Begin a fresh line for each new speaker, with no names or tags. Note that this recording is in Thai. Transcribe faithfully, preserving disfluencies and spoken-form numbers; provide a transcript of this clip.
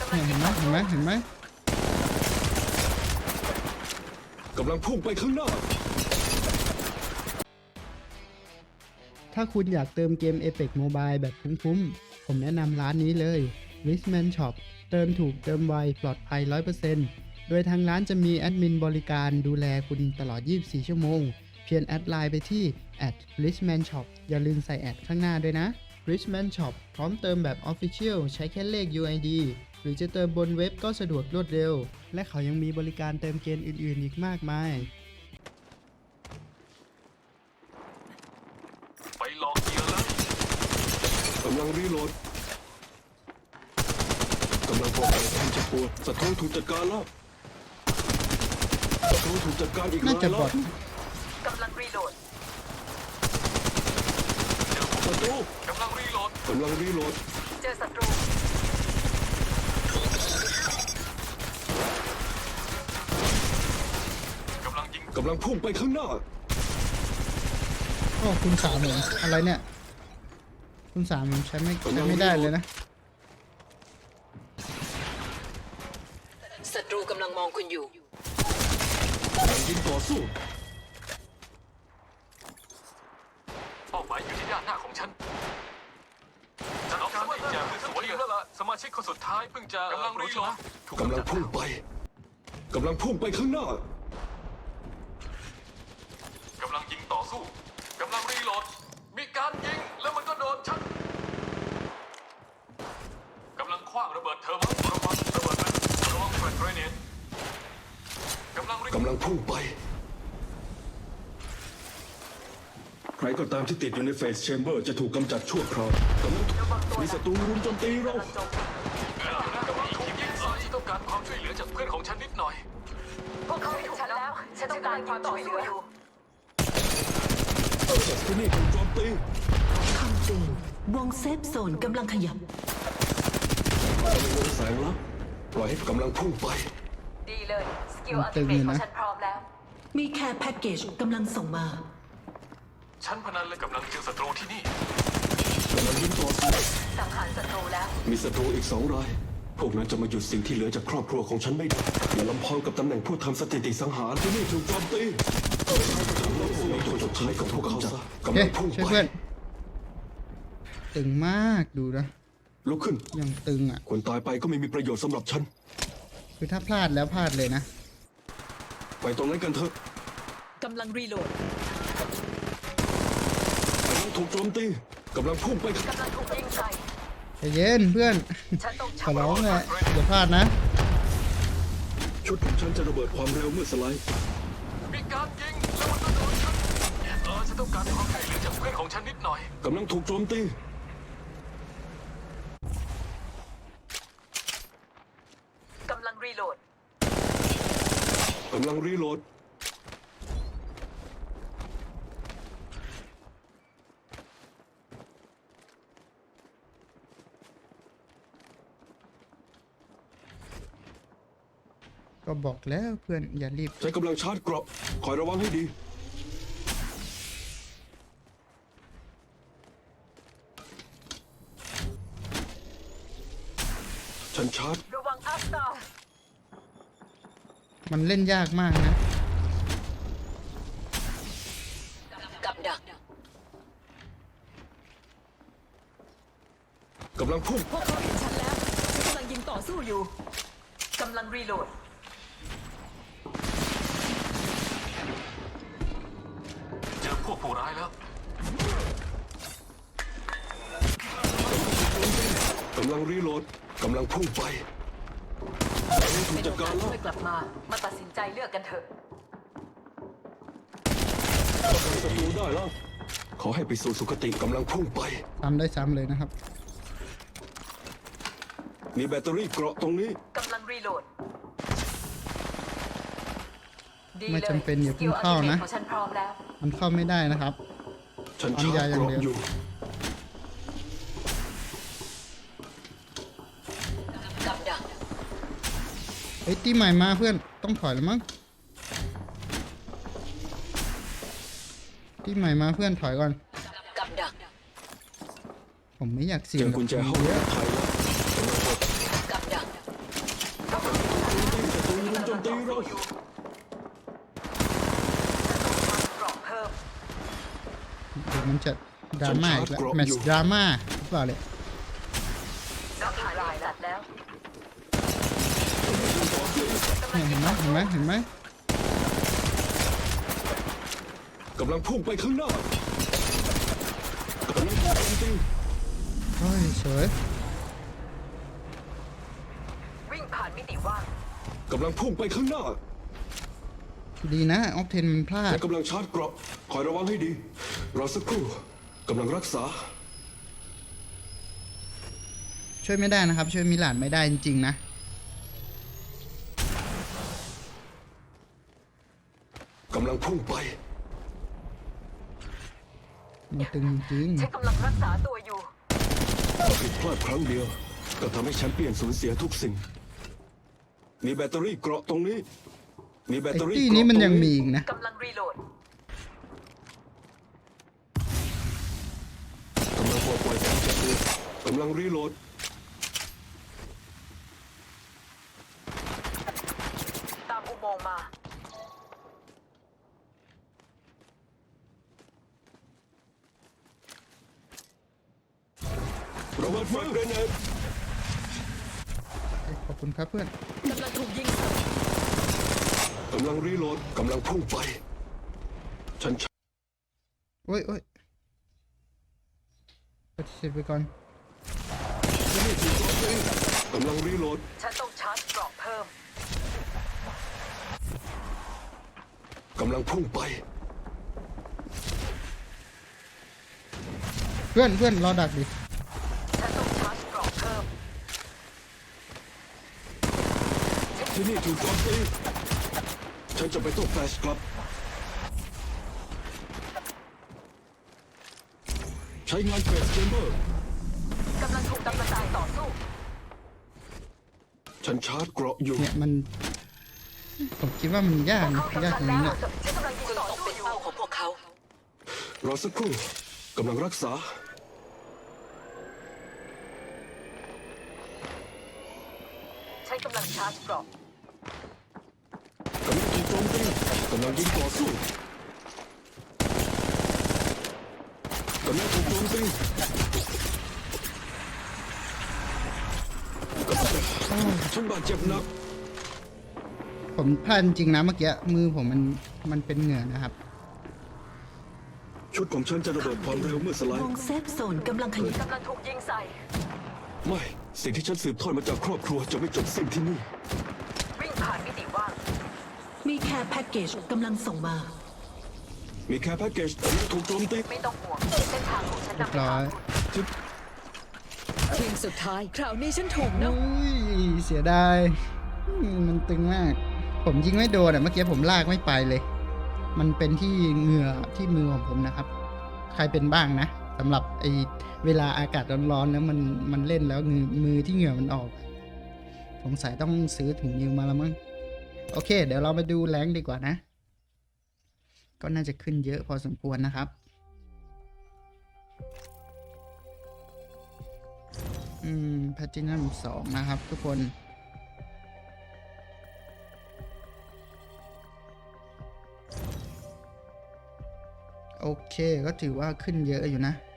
เห็นไหมเห็นไหมเห็นไหม
กำลังพุ่งไปข้างหน้า
ถ้าคุณอยากเติมเกม Apex Mobile แบบคุ้มๆผมแนะนำร้านนี้เลย Richman Shop เติมถูกเติมไวปลอดภัย ร้อยเปอร์เซ็นต์ โดยทางร้านจะมีแอดมินบริการดูแลคุณตลอด ยี่สิบสี่ ชั่วโมง เพียงแอดไลน์ไปที่ แอท richman shop อย่าลืมใส่แอดข้างหน้าด้วยนะ Richman Shop พร้อมเติมแบบ Official ใช้แค่เลข ยู ไอ ดี หรือจะเติมบนเว็บก็สะดวกรวดเร็ว และเขายังมีบริการเติมเกมอื่นๆอีกมากมาย
ไปลองเกียร์เลย
กำลังรีโหลดกำลังป้องกันแทนจะปวดศัตรูถูกจัดการแล้วศัตรูถูกจัดการอีก
น่า
แล้
จะ
ว
บอท
กำลังรีโหลด
ศัตรู
กำลังรีโหลด
กำลังรีโหลด
เจอศัตรู
กำลังยิง
กำลังพุ่งไปข้างหน้า
โอ้คุณสามเหรออะไรเนี่ยคุณสามผมใช้ไม่ใช้ไม่ได้เลยนะ
ศัตรูกำลังมองคุณอยู่
กำลังยิงต่อสู้
เป้าหมายอยู่ที่ด้านหน้าของฉันฉันเอาการที่จะสวยแล้วล่ะสมาชิกคนสุดท้ายเพิ่งจะกำลังรีโหลด
กำลังพุ่งไปกำลังพุ่งไปข้างหน้า
กำลังยิงต่อสู้กำลังรีโหลดมีการยิงแล้วมันก็โดนฉันกำลังคว้างระเบิดเทอร์โมระวังระเบิดมันระวังแฟลชเกรเนตกำลังรี
กำลังพุ่งไปใครก็ตามที่ติดอยู่ในเฟสแชมเบอร์จะถูกกำจัดชั่วคราวกำลังมีศัตรูรุมโจมตีเรา
กำลังถูกยิงใส่ต้องการความช่วยเหลือจากเพื่อนของฉันนิดหน่อย
พวกเขาเห็นฉันแล้ว ฉันต้องการความช่วยเหลืออยู่
ศัตรูนี่ถูกโจมตี
คำเตือนวงเซฟโซนกำลังขยับ
กำลังวงแสงแล้วปล่อยให้กำลังพุ่งไป
ดีเลย สกิล
มัน
อัล
ตึ
ติ
ง
เม
อยู่
ทขอ
นะ
งฉันพร้อมแล้ว
มีแค่แพ็กเกจกำลังส่งมา
ฉันพนันเลยกำลังเจอศัตรูที่นี่
กำลังยิงต่อสู้
สังหารศัตรูแล้ว
มีศัตรูอีกสองราย พวกนั้นจะมาหยุดสิ่งที่เหลือจากครอบครัวของฉันไม่ได้ อย่าลำพองกับตำแหน่งผู้ทำสถิติสังหารที่นี่ถูกโจมตีเราสู้ในตัวสุดท้ายกับพวกเขาซะ
โอเค
กำลังพุ่ง
ช่วย
ไป
เพื่อนตึงมากดูนะ
ลุกขึ้น
ยังตึงอ่ะ
คนตายไปก็ไม่มีประโยชน์สำหรับฉัน
คือถ้าพลาดแล้วพลาดเลยนะ
ไปตรงนั้นกันเถอะ
กำลังรีโหลด
กำลังถูกโจมตีกำลังพุ่งไป
กำลังถูกยิงใส่
ใจเย็นเพื่อน
ฉันต้อง
ขอร้องเลยอย่าพลาดนะ
ชุดของฉันจะระเบิดความเร็วเมื่อสไลด์
มีการยิงแล้วมันก็โดนฉันเออฉันต้องการความช่วยเหลือจากเพื่อนของฉันนิดหน่อย
กำลังถูกโจมตี
กำลังรีโหลด
กำลังรีโหลด
ก็บอกแล้วเพื่อนอย่ารีบ
ใช้กำลังชาร์จเกราะคอยระวังให้ดี ฉันชาร์จ
ระวังอัพสตาร์
มันเล่นยากมากนะ
กับดัก
กำลังพุ่ง
พวกเขาเห็นฉันแล้ว ฉันกำลังยิงต่อสู้อยู่ กำลังรีโหลด
เจอพวกผู้ร้ายแล้ว
กำลังรีโหลด กำลังพุ่งไปกำลังถูก
เป็น
จัด
โอ
การ
กาส
แล้ว
ช่วยกลับมา มาตัดสินใจเลือกกันเถอะ
ป้องกันศัตรูได้แล้ว ขอให้ไปสู่สุคติกำลังพุ่งไป
ซ้ำได้ซ้ำเลยนะครับ
มีแบตเตอรี่เกราะตรงนี้
กำลังรีโหลด ดี
ไม่
เลย
จำเป็นอย่าเพิ่งเข้านะ
สกิลอัลติเมทของฉันพร้อมแล้ว
มันเข้าไม่ได้นะครับ
ฉันชาร์จเกราะอยู่
กับดัก
เฮ้ยตีใหม่มาเพื่อนต้องถอยแล้วมั้งตีใหม่มาเพื่อนถอยก่อน
กับดัก
ผมไม่อยากเสี่
เจ
ยง
อกุญแจห้องปลอดภัยแล้วกำลังกด
กับดัก
ตีเรา
ฉันต้องกรอบเพิ่ม
เดี๋ยวมันจะดราม่าอีกแล้วแมตช์ดราม่าหรือเปล่าเลย
นับรายสัตว์แล้ว
เนี่ยเห็นไหมเห็นไหมเห็นไหม
กำลังพุ่งไปข้างหน้ากำลังพุ่งจริง
โอ้ยสวย
วิ่งผ่านมิติว่าง
กำลังพุ่งไปข้างหน้า
ดีนะออฟเทนมันพลาด
และกำลังชาร์จเกราะคอยระวังให้ดีรอสักครู่กำลังรักษา
ช่วยไม่ได้นะครับ ช่วยมิลานไม่ได้จริงๆนะ
กำลังพุ่งไป
มันตึงจริง
ฉันกำลังรักษาตัวอยู่
ผิดพลาดครั้งเดียว ก็ทำให้แชมเปี้ยนสูญเสียทุกสิ่ง มีแบตเตอรี่เกราะตรงนี้ มีแบต
ไอ้
เตอรี่
ตี้
เกราะ
นี้มัน
ตรง
ยังมีอีกนะ
กำลังรีโหลด
กำลังปลดปล่อยการจับตัวกำลังรีโหลด
ตามอุโมงค์มา
ระเบิดไฟเกรเนด
ขอบคุณครับเพื่อน
กำลังถูกยิงใส่
กำลังรีโหลดกำลังพุ่งไป ฉัน
โอ้ยโอ้ยปฏิเสธไปก่อน
ที่นี่ถูกโจมตีกำลังรีโหลด
ฉันต้องชาร์จเกราะเพิ่ม
กำลังพุ่งไป
เพื่อนเพื่อนรอดักดิ
ฉันต้องชาร์จเกราะเพิ่ม
ที่นี่ถูกโจมตีฉันจะไปโต้แฟลชกลับ ใช้งานเฟสเชมเบอร์
กำลังถูกกำลังตายต่อสู้
ฉันชาร์จเกราะอยู่
เนี่ยมัน ผมคิดว่ามันยากนะ
เขา
ยาก
กำลั
ตรง
ง
นี้
แล้ว
แหละ
ฉันกำลังยิงต่อสู้อยู่
ของพวกเขา
รอสักครู่กำลังรักษา
ฉันกำลังชาร์จเกราะ
กำลังถูกโจมตีกำลังยิงต่อสู้กำลังถูกโจมตีฉันบาดเจ็บหนัก
ผมพลาดจริงนะเมื่อกี้มือผมมันมันเป็นเหงื่อนะครับ
ชุดของฉันจะระเบิดความเร็วเมื่อสไล
ว
ด์
งเซฟโซนกำลังขยาย
กำลังถูกยิงใส่
ไม่ สิ่งที่ฉันสืบทอดมาจากครอบครัวจะไม่จบสิ้นที่นี่
วิ่งผ่านมิติว่าง
มีแค่แพ็กเกจกำลังส่งมา
มีแค่แพ็กเกจกำลังถูกโจมตี
ไม่ต้องห่วงเส้นทางของฉัน
เรีย
นำ
บ
ไป
ร้อ
ทาง
ย
จิ๊บ
ทีมสุดท้าย คราวนี้ฉันถูกนะ
อุ้ยเสียดายอืมมันตึงมาก ผมยิงไม่โดนอ่ะเมื่อกี้ผมลากไม่ไปเลย มันเป็นที่เหงื่อที่มือของผมนะครับ ใครเป็นบ้างนะสำหรับไอเวลาอากาศร้อนๆแล้วมันมันเล่นแล้วมือมือที่เหงื่อมันออก สงสัยต้องซื้อถุงมือมาแล้วมั้งโอเค เดี๋ยวเรามาดูแรงค์ดีกว่านะ ก็น่าจะขึ้นเยอะพอสมควรนะครับ อืมแพลตินัมสองนะครับทุกคน โอเคก็ถือว่าขึ้นเยอะอยู่นะ